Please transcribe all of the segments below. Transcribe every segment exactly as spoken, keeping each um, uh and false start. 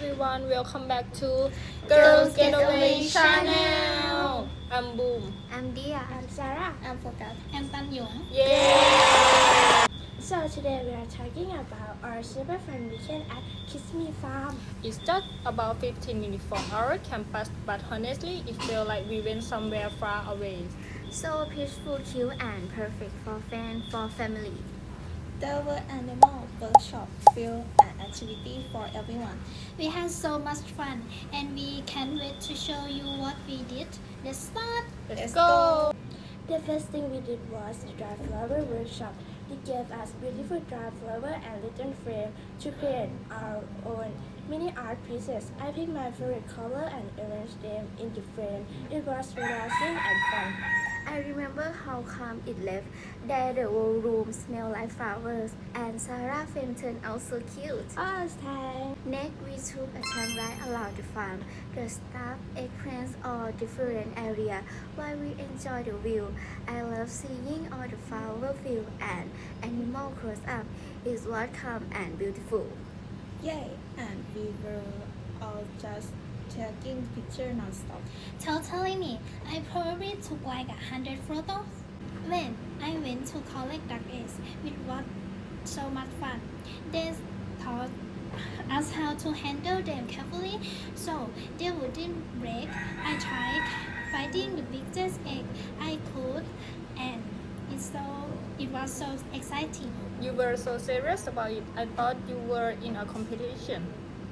everyone, welcome back to Girls Getaway Channel. I'm Boom. I'm Dia. I'm Sarah. I'm Focus. I'm Tan Yong. Yeah! So today we are talking about our super fun weekend at Kiss Me Farm. It's just about fifteen minutes from our campus, but honestly, it felt like we went somewhere far away. So peaceful, cute, and perfect for fans, for family. There were animal workshop, field, and activity for everyone. We had so much fun and we can't wait to show you what we did. Let's start! Let's, Let's go! The first thing we did was the dry flower workshop. They gave us beautiful dry flower and little frame to create our own mini art pieces. I picked my favorite color and arranged them in the frame. It was relaxing and fun. I remember how calm it left. There the whole room smelled like flowers, and Sarah film turned out so cute. Oh, thanks. Next, we took a train ride around the farm. The staff experienced all different areas while we enjoyed the view. I love seeing all the flower field and animal close up. It was calm and beautiful. Yay! And we were all just taking pictures non-stop. Totally me. I probably took like a hundred photos. When I went to collect duck eggs, it was so much fun. They taught us how to handle them carefully so they wouldn't break. I tried finding the biggest egg I could and it so it was so exciting. You were so serious about it. I thought you were in a competition.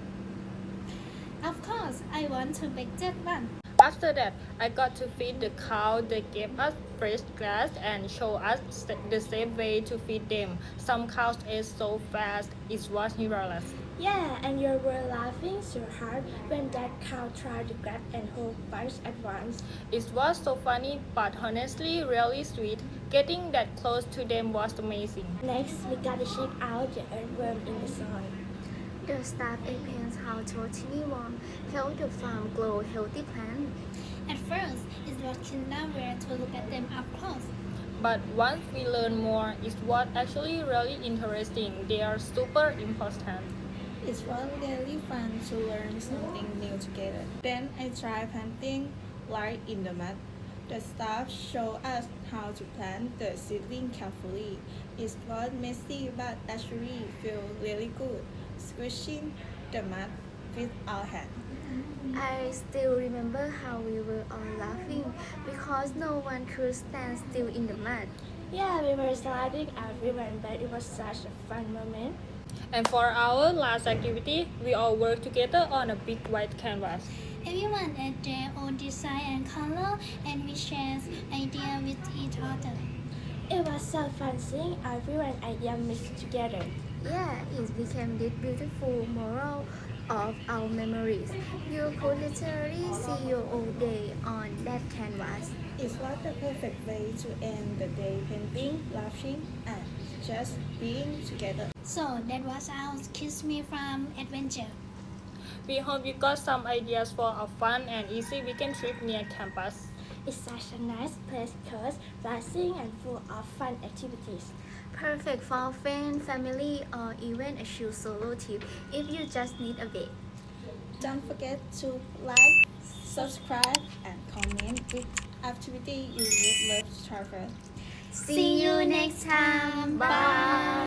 Of course, I want to make that one. After that, I got to feed the cow. They gave us fresh grass and showed us the safe way to feed them. Some cows ate so fast, it was hilarious. Yeah, and you were laughing so hard when that cow tried to grab and whole bunch at once. It was so funny, but honestly really sweet. Getting that close to them was amazing. Next, we got to check out the earthworm in the soil. The staff explains how totally warm help the farm grow healthy plants. At first, it was kinda weird to look at them up close. But once we learn more, it was actually really interesting. They are super important. It was really fun to learn something new together. Then I tried planting right in the mud. The staff showed us how to plant the seedling carefully. It was messy but actually felt really good, squishing the mud with our hands. I still remember how we were all laughing because no one could stand still in the mud. Yeah, we were sliding everywhere, but it was such a fun moment. And for our last activity, we all worked together on a big white canvas. Everyone had their own design and color and we shared ideas with each other. It was so fun seeing everyone's ideas mixed together. Yeah, it became this beautiful mural of our memories. You could literally see your own day on that canvas. It was the perfect way to end the day painting, laughing, and just being together. So that was our Kiss Me Farm adventure. We hope you got some ideas for a fun and easy weekend trip near campus. It's such a nice place because relaxing and full of fun activities. Perfect for friends, family, or even a chill solo trip if you just need a break. Don't forget to like, subscribe, and comment which activity you would love to try first. See you next time. Bye.